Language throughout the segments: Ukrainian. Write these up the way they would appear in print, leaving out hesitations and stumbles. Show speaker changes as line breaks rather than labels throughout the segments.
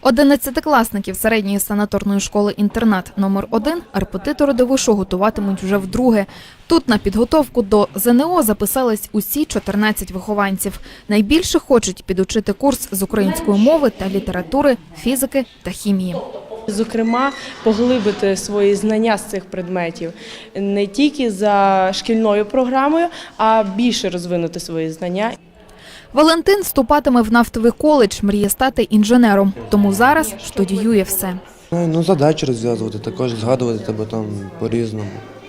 11-класників середньої санаторної школи-інтернат номер 1 репетитори ДВШ готуватимуть вже вдруге. Тут на підготовку до ЗНО записались усі 14 вихованців. Найбільше хочуть підучити курс з української мови та літератури, фізики та хімії.
Зокрема, поглибити свої знання з цих предметів не тільки за шкільною програмою, а більше розвинути свої знання.
Валентин вступатиме в нафтовий коледж, мріє стати інженером, тому зараз студіює все.
Задачі розв'язувати, також згадувати тебе там по-різному.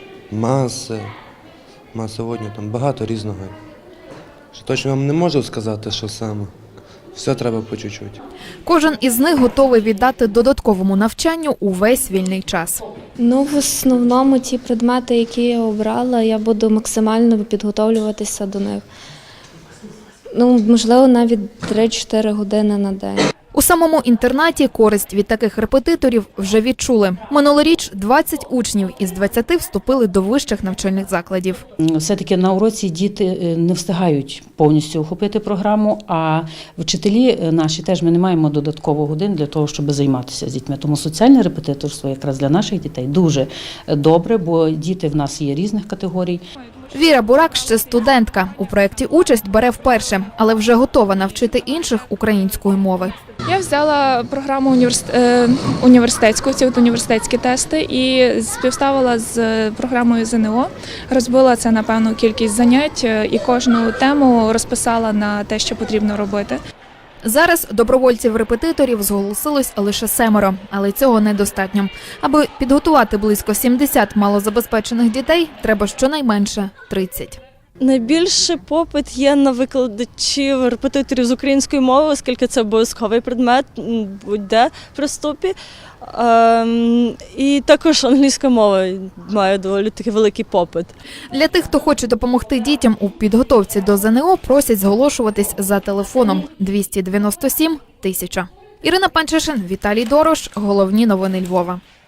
Масоводні, там багато різного. Точно вам не можу сказати, що саме. Все треба по чуть-чуть.
Кожен із них готовий віддати додатковому навчанню увесь вільний час.
В основному ті предмети, які я обрала, я буду максимально підготовлюватися до них. Можливо, навіть 3-4 години на день.
У самому інтернаті користь від таких репетиторів вже відчули. Минулоріч 20 учнів із 20 вступили до вищих навчальних закладів.
Все-таки на уроці діти не встигають повністю охопити програму, а вчителі наші теж ми не маємо додатково годин для того, щоб займатися з дітьми. Тому соціальне репетиторство якраз для наших дітей дуже добре, бо діти в нас є різних категорій.
Віра Бурак ще студентка. У проєкті участь бере вперше, але вже готова навчити інших української мови.
Я взяла програму університетську, ці університетські тести, і співставила з програмою ЗНО. Розбила це на певну кількість занять і кожну тему розписала на те, що потрібно робити.
Зараз добровольців-репетиторів зголосилось лише 7, але цього недостатньо. Аби підготувати близько 70 малозабезпечених дітей, треба щонайменше 30.
Найбільший попит є на викладачів, репетиторів з української мови, оскільки це обов'язковий предмет будь-де при вступі. І також англійська мова має доволі такий великий попит.
Для тих, хто хоче допомогти дітям у підготовці до ЗНО, просять зголошуватись за телефоном 297 000. Ірина Панчишин, Віталій Дорош. Головні новини Львова.